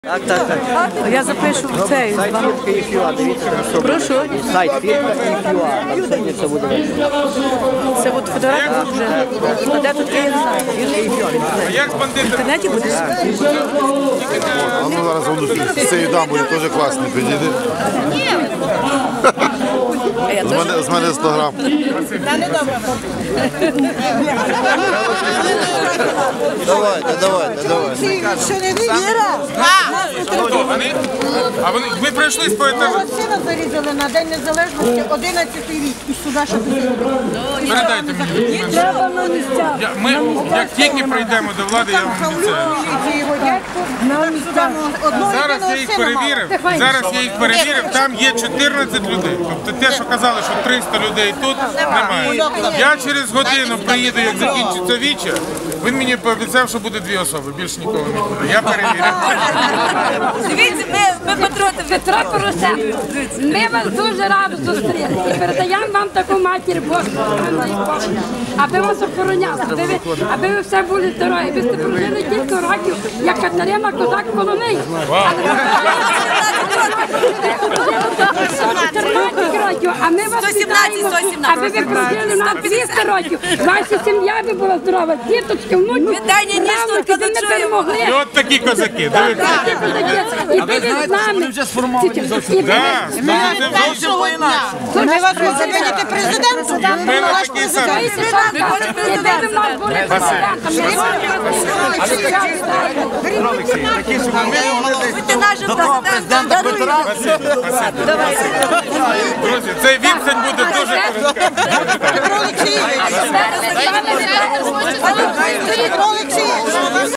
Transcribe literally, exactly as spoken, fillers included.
Так, так, так. Я запишу в цей. Сайт фірка і фюа, дивіться, там Прошу. сайт фірка і фюа, там сьогодні це буде. Це от фотографія вже. А де тут є, я не знаю. Фірка і фюа. А як з В бандитами? інтернеті буде? А ну зараз воно з цієї дамбою теж класний підійде. З мене, з мене сто грам. Давайте, давайте, давайте. Що не віра? Хто вони? А вони, ви пройшли по етажу? Мого сина зарізали на День Незалежності одинадцятий рік і сюди ще Передайте мені. Треба на місцях. Я, ми, як тільки прийдемо до влади, я вам обіцяю. І його дядько на місцях. Зараз я їх перевірив, зараз я їх перевірив, там є чотирнадцять людей. Тобто те, що казали, що триста людей тут, немає. Я через годину приїду, як закінчиться віче, він мені пообіцяв, що буде дві особи, більше нікого не буде. Я перевірив. Дивіться, ми, ми патроти Петро Порошенко. Ми вас дуже радо зустріли і передаємо вам таку матір Божу, аби вас охороняли, аби ви, аби ви все були здорові. Ви сте прожили кілька років, як Катерина Козак Коломиї. чотирнадцять років, а ми вас вітаємо, аби ви прожили на двісті років. Ваша сім'я би була здорова, діточки, внуки, правнуки, ви не перемогли. І от такі козаки, дивіться. І ви з нами. вже сформовані зовсім. Так, зовсім по-інакшому. Ми вас хочемо видіти президентом. В мене такий самий. До того президента Петра. Друзі, цей відстань буде дуже коротка. Петро Олексійович. Петро Олексійович.